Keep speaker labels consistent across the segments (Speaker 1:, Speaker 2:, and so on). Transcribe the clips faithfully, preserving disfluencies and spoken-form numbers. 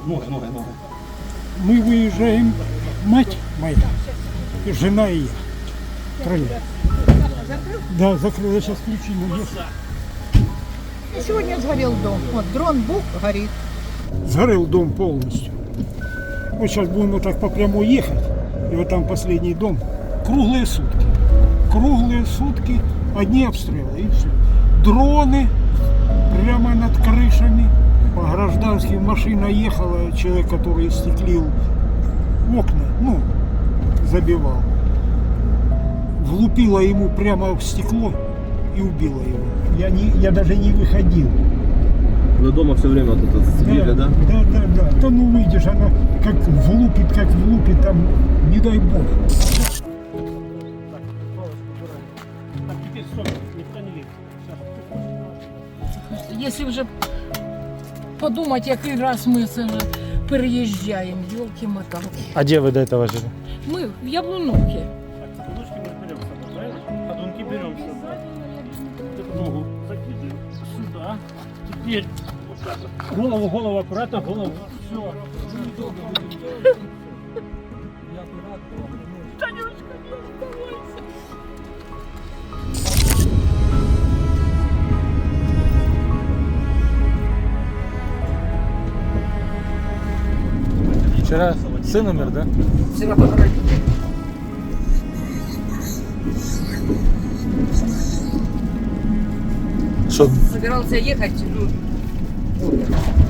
Speaker 1: Ноги, ноги, ноги.
Speaker 2: Мы выезжаем, мать моя, жена и я. Трое. Да, закрыл, я сейчас ключи навес.
Speaker 3: Сегодня сгорел дом. Вот дрон бук горит.
Speaker 2: Сгорел дом полностью. Вот сейчас будем вот так по прямой ехать. И вот там последний дом. Круглые сутки. Круглые сутки. Одни обстрелы и все. Дроны прямо над крышами. По гражданским машина ехала. Человек, который стеклил окна, ну, забивал. Влупила ему прямо в стекло и убила его. Я, не, я даже не выходил.
Speaker 1: Вы дома все время вот это сидели, да?
Speaker 2: Да, да, да. Да ну выйдешь, она как влупит, как влупит, там, не дай бог.
Speaker 1: Так, теперь стоп, никто не лезет.
Speaker 3: Если вже подумати, який раз ми це вже переїжджаємо, йолки-моталки.
Speaker 4: А где вы до этого жили?
Speaker 3: Ми в Яблуновці.
Speaker 1: Так, подушки мы берем с собой, правильно? Подунки берем с собой. Вот эту ногу закидываем сюда. Теперь вот так вот. Голову, голову, аккуратно, голову. Все. Танюшка, не оставайся.
Speaker 4: Вчера сын умер, да?
Speaker 3: Вчора похоронили.
Speaker 4: Что?
Speaker 3: Собирался ехать, ну, умер.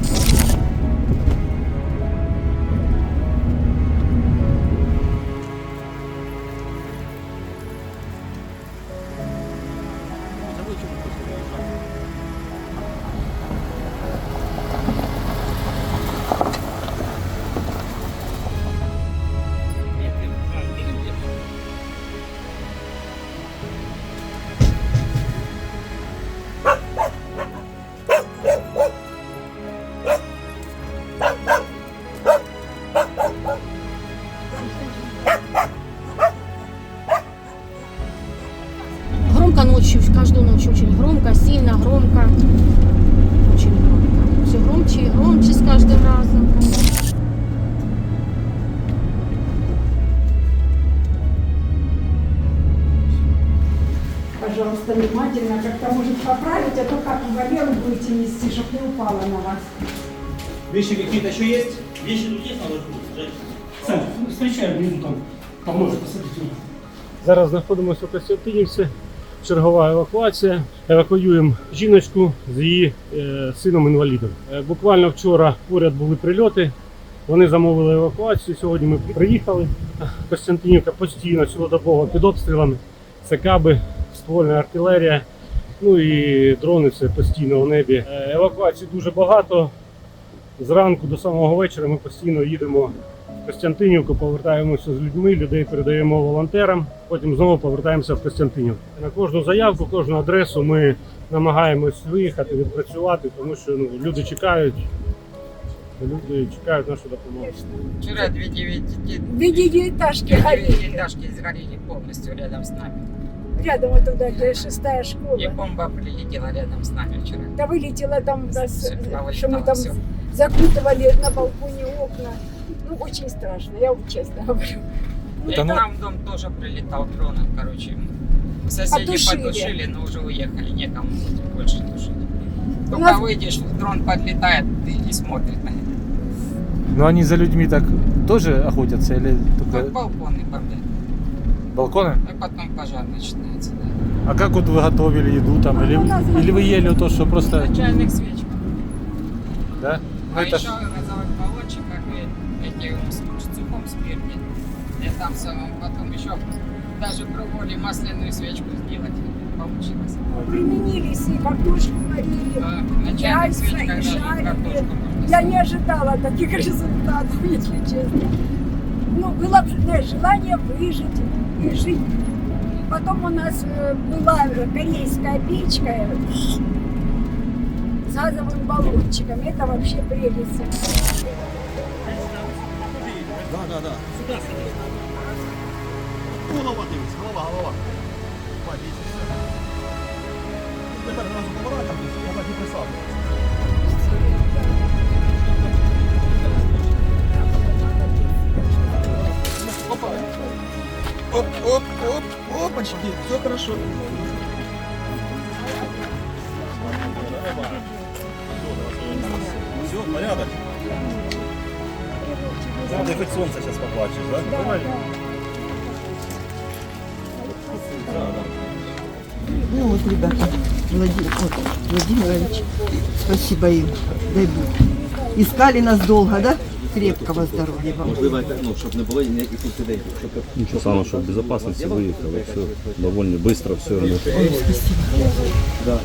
Speaker 3: Громко ночью, каждую ночь очень громко, сильно громко. Очень громко. Все громче и громче с каждым разом.
Speaker 5: Пожалуйста, внимательно, как-то может поправить, а то как Валеру будете нести, чтобы не упала на вас.
Speaker 1: Вещи какие-то еще есть? Вещи тут есть, надо ждать. Сань, встречаем внизу там. Поможет, посадите.
Speaker 4: Зараз знаходимося у Костянтинівці. Чергова евакуація. Евакуюємо жіночку з її е, сином-інвалідом. Е, буквально вчора поряд були прильоти. Вони замовили евакуацію. Сьогодні ми приїхали. Костянтинівка постійно, цілодобово під обстрілами. Це каби, ствольна артилерія, ну і дрони все постійно у небі. Е, евакуацій дуже багато. Зранку до самого вечора ми постійно їдемо в Костянтинівку, повертаємося з людьми, людей передаємо волонтерам, потім знову повертаємося в Костянтинівку. На кожну заявку, кожну адресу ми намагаємось виїхати, відпрацювати, тому що ну, люди чекають, люди чекають нашу допомогу.
Speaker 6: Вчера две девяти-
Speaker 5: Две девятиэтажки
Speaker 6: две
Speaker 5: горели.
Speaker 6: девятиэтажки сгорели полностью рядом с нами.
Speaker 5: Рядом вот туда, где шестая
Speaker 6: И
Speaker 5: школа.
Speaker 6: бомба прилетела рядом с нами вчера.
Speaker 5: Да вылетела там, у нас,
Speaker 6: Всё, да,
Speaker 5: что мы
Speaker 6: вылетало
Speaker 5: там
Speaker 6: всё.
Speaker 5: закутывали на балконе окна. Ну, очень страшно, я вам честно говорю.
Speaker 6: И
Speaker 4: Это ну-
Speaker 6: там в дом тоже прилетал дроном, короче. Соседи
Speaker 5: Потушили.
Speaker 6: потушили, но уже уехали, некому больше тушить. Только
Speaker 5: нас-
Speaker 6: выйдешь, дрон подлетает и, и смотрит на это.
Speaker 4: Но они за людьми так тоже охотятся или
Speaker 6: Как
Speaker 4: только
Speaker 6: балконы бомбят.
Speaker 4: балконы?
Speaker 6: И потом пожар начинается, да.
Speaker 4: А как вот вы готовили еду там? Или, или вы ели то, что просто...
Speaker 6: На чайных свечках.
Speaker 4: Да? Ну,
Speaker 6: А
Speaker 4: это
Speaker 6: еще
Speaker 4: ж-
Speaker 6: газовых баллончиках и этим с с сухом спирте. И там самым потом еще даже пробовали масляную свечку сделать. Получилось.
Speaker 5: Применились и картошку варили,
Speaker 6: Да, на чайных
Speaker 5: яйца
Speaker 6: свечках
Speaker 5: и
Speaker 6: даже
Speaker 5: жарили.
Speaker 6: картошку можно
Speaker 5: Я не ожидала таких результатов, если честно. Ну, было б- желание выжить и жить. Потом у нас э, была корейская печка э, с газовым баллончиком. Это вообще прелесть.
Speaker 1: Да, да, да. Сюда, сюда. Голова дивись, голова, голова. Бать, дивись. Тепер одразу поворотом, я так і присаджуюсь.
Speaker 7: оп, оп, оп, опачки, все хорошо.
Speaker 8: Все, порядок. Ну, ты хоть солнце сейчас поплачешь, да?
Speaker 1: Давай.
Speaker 9: Ну вот, ребята, Владимир, вот, Владимирович, спасибо им, дай Бог. Искали нас долго, да? Крепкого здоров'я вам.
Speaker 8: Можливо, ну, щоб не було ніяких інцидентів. Щоб...
Speaker 10: Ничего самого, чтобы в безопасности выехало, все довольно быстро, все.
Speaker 9: Ой, спасибо.
Speaker 8: Да.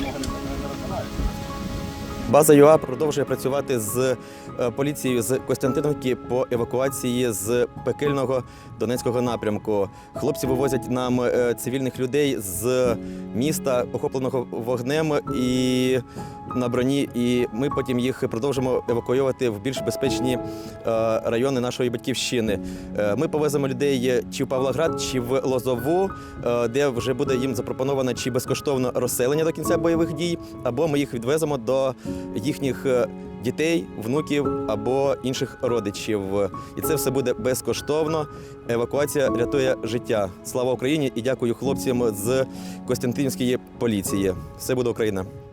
Speaker 8: База ЮА продовжує працювати з поліцією з Костянтинівки по евакуації з пекельного Донецького напрямку. Хлопці вивозять нам цивільних людей з міста, охопленого вогнем і на броні, і ми потім їх продовжимо евакуювати в більш безпечні райони нашої батьківщини. Ми повеземо людей чи в Павлоград, чи в Лозову, де вже буде їм запропоновано чи безкоштовно розселення до кінця бойових дій, або ми їх відвеземо до їхніх дітей, внуків або інших родичів. І це все буде безкоштовно. Евакуація рятує життя. Слава Україні і дякую хлопцям з Костянтинівської поліції. Все буде Україна.